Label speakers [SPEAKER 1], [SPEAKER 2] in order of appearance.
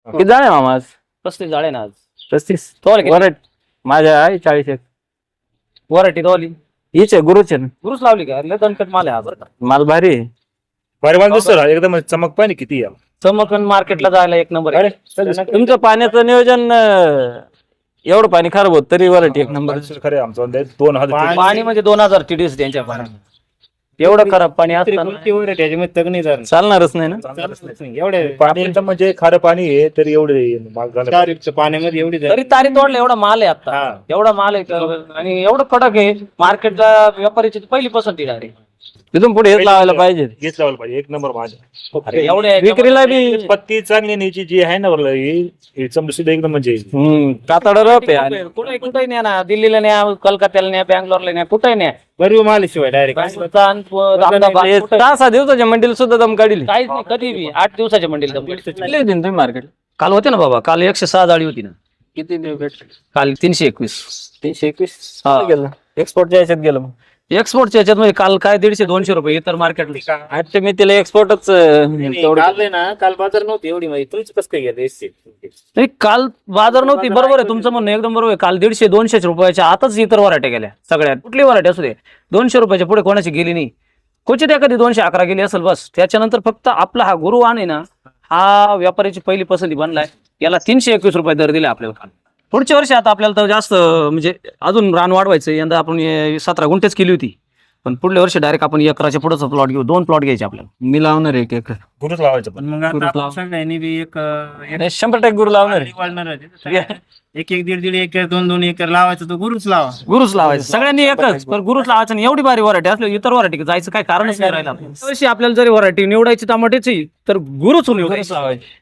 [SPEAKER 1] किती झाले मामा आज?
[SPEAKER 2] 35 झाले ना आज.
[SPEAKER 1] 35.
[SPEAKER 2] तोल
[SPEAKER 1] वरट माझ्या आहे 40 एक.
[SPEAKER 2] वराठी तोली
[SPEAKER 1] हीच आहे गुरुच आहे ना.
[SPEAKER 2] गुरुच लावली का लय दणकट माल आहे हा बरं का.
[SPEAKER 1] माल भारी आहे.
[SPEAKER 3] भारी माल दिसतो ना, एकदम चमक पाहिजे किती आहे.
[SPEAKER 2] चमकन मार्केटला जायला एक नंबर आहे.
[SPEAKER 1] तुमचं पाण्याचं नियोजन एवढं पाणी खराब होत तरी वरट एक नंबर.
[SPEAKER 3] खरे आमचं 2000
[SPEAKER 2] पाणी म्हणजे 2000 TDS त्यांच्या पाण्यात. एवढं खराब पाणी असताना
[SPEAKER 1] चालणारच नाही ना.
[SPEAKER 4] एवढे
[SPEAKER 3] पाणी एकदम म्हणजे खारं पाणी आहे तरी एवढे महाग झालं.
[SPEAKER 4] पाण्यामध्ये एवढी
[SPEAKER 2] तरी तारी तोडलं एवढा माल आहे आता. एवढा माल आहे आणि एवढं कडक आहे मार्केटला व्यापाऱ्याची पहिली पसंती डायरेक्ट.
[SPEAKER 1] तिथून पुढे हेच लावायला पाहिजे.
[SPEAKER 3] हेच लावलं पाहिजे एक नंबर माझ्या.
[SPEAKER 2] एवढे
[SPEAKER 1] विक्रीला बी
[SPEAKER 3] पत्ती चांगली न्यायची जी आहे ना वरलं ही चमडी सुद्धा एकदम म्हणजे
[SPEAKER 1] कातड रप आहे आणि
[SPEAKER 2] कुठे कुठे न्या ना दिल्लीला न्या कलकत्त्याला न्या बँगलोरला न्या कुठे न्या
[SPEAKER 4] बरी माल शिवाय डायरेक्ट
[SPEAKER 1] हे 6-6 दिवसाच्या मंडीला सुद्धा दम काढली.
[SPEAKER 2] काहीच नाही कधी बी 8 दिवसाच्या मंडीला दम काढली.
[SPEAKER 1] किती होती तुम्ही मार्केट?
[SPEAKER 2] काल होते ना बाबा काल 106 जाळी होती ना.
[SPEAKER 1] किती भेटले?
[SPEAKER 2] काल 321.
[SPEAKER 1] 321
[SPEAKER 2] हा.
[SPEAKER 1] गेलं. एक्सपोर्टच्या याच्यात गेलं मग.
[SPEAKER 2] एक्सपोर्टच्या याच्यात म्हणजे काल काय 150-200 रुपये इतर मार्केटला.
[SPEAKER 1] आजच्या मी तिला एक्सपोर्टच
[SPEAKER 4] काल ना काल बाजार नव्हती एवढी माहिती तुमचं कसं काय गेलं
[SPEAKER 2] नाही काल बाजार नव्हती बरोबर आहे तुमचं म्हणणं एकदम बरोबर आहे. काल 150-200 रुपयाच्या आताच इतर वराट्या गेल्या सगळ्यात. कुठली वराठी असू दे 200 रुपयाच्या पुढे कोणाची गेली नाही. क्वचित एखादी 211 गेली असेल बस. त्याच्यानंतर फक्त आपला हा गुरु आहे ना हा व्यापाऱ्याची पहिली पसंती बनलाय. याला 321 रुपये दर दिले आपल्याला काल. पुढच्या वर्षी आता आपल्याला तर जास्त म्हणजे अजून रान वाढवायचं. यंदा आपण 17 गुंठेच केली होती पण पुढल्या वर्षी डायरेक्ट आपण एकराच्या पुढेच प्लॉट घेऊ. 2 प्लॉट घ्यायचे आपल्याला.
[SPEAKER 1] मी लावणार आहे एक
[SPEAKER 3] गुरुच लावायचं पण.
[SPEAKER 4] मग आता सगळ्यांनी बी एक
[SPEAKER 1] 100% गुरु लावणार आहे.
[SPEAKER 4] वाढणार एक 1.5 एकर 2 एकर लावायचं तो गुरुच लावा.
[SPEAKER 2] गुरुच लावायचं सगळ्यांनी एकच पण गुरुच लावायचं नाही. एवढी भारी व्हरायटी असली इतर व्हरायटी जायचं काय कारणच नाही राहिलं. वर्षी आपल्याला जरी व्हरायटी निवडायची टमाट्याची तर गुरुच लावायची.